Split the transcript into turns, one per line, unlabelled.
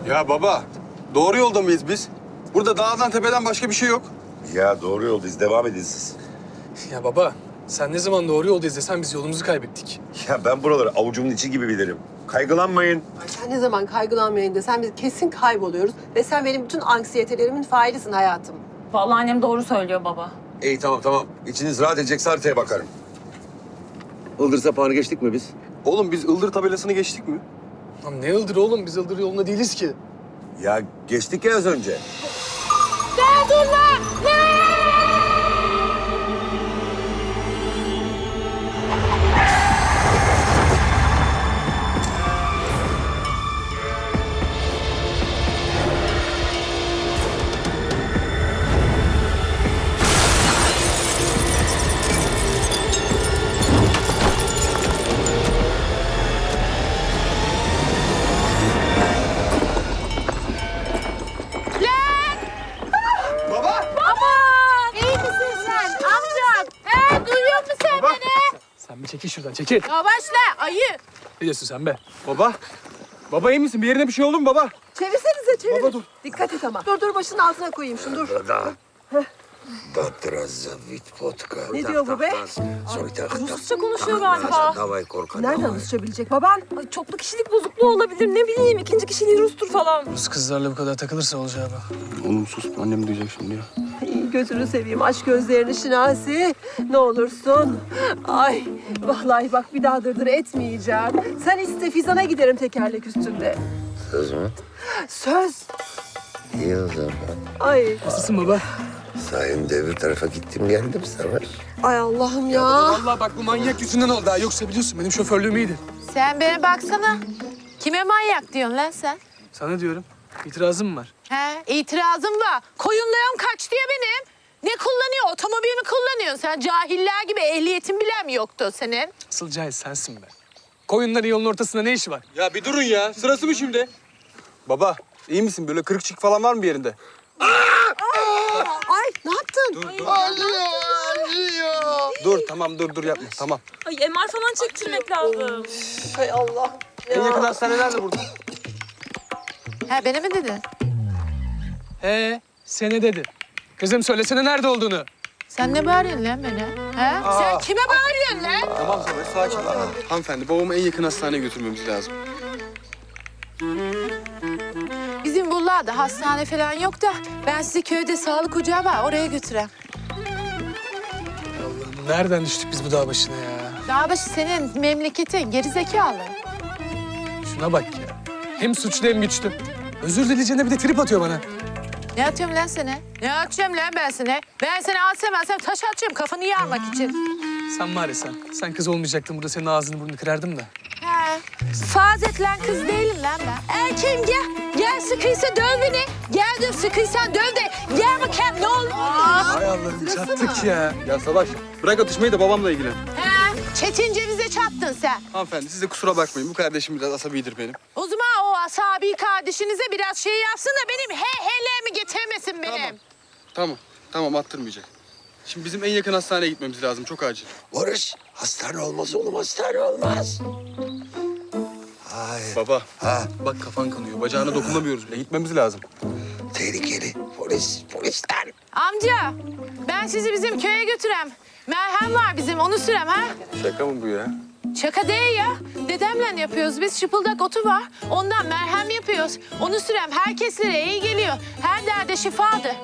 Ya baba, doğru yolda mıyız biz? Burada dağdan tepeden başka bir şey yok.
Ya doğru yoldayız. Devam edin siz.
Ya baba, sen ne zaman doğru yoldayız desen biz yolumuzu kaybettik.
Ya ben buraları avucumun içi gibi bilirim. Kaygılanmayın.
Ay sen ne zaman kaygılanmayın desen biz kesin kayboluyoruz. Ve sen benim bütün anksiyetelerimin failisin hayatım.
Vallahi annem doğru söylüyor baba.
İyi tamam. İçiniz rahat edecekse haritaya bakarım. Ildır sapağını geçtik mi biz?
Oğlum biz Ildır tabelasını geçtik mi?
Lan ne Ildır oğlum? Biz Ildır yolunda değiliz ki.
Ya geçtik ya az önce.
İyi misin sen amcam? Duyuyor musun sen beni?
Sen bir çekil şuradan, çekil.
Yavaşla ayı.
Ne diyorsun sen be?
Baba, baba iyi misin? Bir yerine bir şey oldu mu baba?
Çevirsenize çevir.
Baba dur.
Dikkat et ama. Dur başının altına koyayım şunu dur. Ne diyor bu be?
Rusça konuşuyor galiba.
Nereden Rusça bilecek baban?
Ay, çoklu kişilik bozukluğu olabilir, ne bileyim. İkinci kişiliği Rus'tur falan.
Rus kızlarla bu kadar takılırsa olacağı bak.
Oğlum sus, annem duyacak şimdi ya.
Ay, gözünü seveyim aç gözlerini Şinasi. Ne olursun. Ay vallahi bak bir daha dırdır etmeyeceğim. Sen iste Fizan'a giderim tekerlek üstünde.
Söz mü?
Söz.
İyi o zaman.
Ay.
Nasılsın baba?
Sayende öbür tarafa gittim geldim Sever.
Ay Allah'ım ya.
Vallahi bak bu manyak yüzünden oldu ha. Yoksa biliyorsun benim şoförlüğüm iyiydi.
Sen bana baksana. Kime manyak diyorsun lan sen?
Sana diyorum. İtirazım var.
He, itirazım var. Koyunlarım kaç diye benim. Ne kullanıyor? Otomobil mi kullanıyorsun? Sen cahiller gibi ehliyetin bile mi yoktu senin?
Asıl cahil sensin be. Koyunların yolun ortasında ne işi var?
Ya bir durun ya, sırası mı şimdi? Baba, iyi misin? Böyle kırık çık falan var mı bir yerinde?
Ay ne yaptın?
Dur, tamam dur yapma, tamam.
Ay MR falan çektirmek lazım.
Hay Allah.
En yakın hastane nerede burada?
He, beni mi dedin?
Sene dedi. Kızım söylesene nerede olduğunu.
Sen ne bağırıyorsun lan bana? He? Sen kime bağırıyorsun lan?
Tamam Sever, sakin ol. Hanımefendi, babamı en yakın hastaneye götürmemiz lazım.
Bizim buralarda hastane falan yok da ben sizi köyde sağlık ocağı var oraya götüreyim.
Allah'ım nereden düştük biz bu dağ başına ya?
Dağbaşı senin memleketin gerizekalı.
Şuna bak ya. Hem suçlu hem güçlü. Özür dileyeceğine bir de trip atıyor bana.
Ne atıyorum lan sana? Ne atacağım lan ben sana? Ben seni alsam taş atacağım kafanı yarmak için.
Sen var ya sen. Sen kız olmayacaktın burada senin ağzını burnunu kırardım da.
He. Fazet lan kız değilim lan ben. Erkeğim gel. Gel sıkıysa döv beni. Gel döv sıkıysan döv de. Gel bakayım ne olur.
Hay Allah'ım çattık ya.
Ya Savaş, bırak atışmayı da babamla ilgilen.
He. Çetin cevize çattın sen.
Hanımefendi, siz de kusura bakmayın. Bu kardeşim biraz asabidir benim.
O zaman o asabi kardeşinize biraz şey yapsın da benim hehelerimi getirmesin benim.
Tamam attırmayacak. Şimdi bizim en yakın hastaneye gitmemiz lazım, çok acil.
Barış, hastane olmaz oğlum, hastane olmaz. Ay,
Baba,
ha,
bak kafan kanıyor. Bacağına dokunamıyoruz bile. Gitmemiz lazım.
tehlikeli. Polisler.
Amca ben sizi bizim köye götürem. Merhem var bizim onu sürem ha.
Şaka mı bu ya?
Şaka değil ya. Dedemle yapıyoruz biz. Şıpıldak otu var. Ondan merhem yapıyoruz. Onu sürem herkeslere iyi geliyor. Her derde şifadır.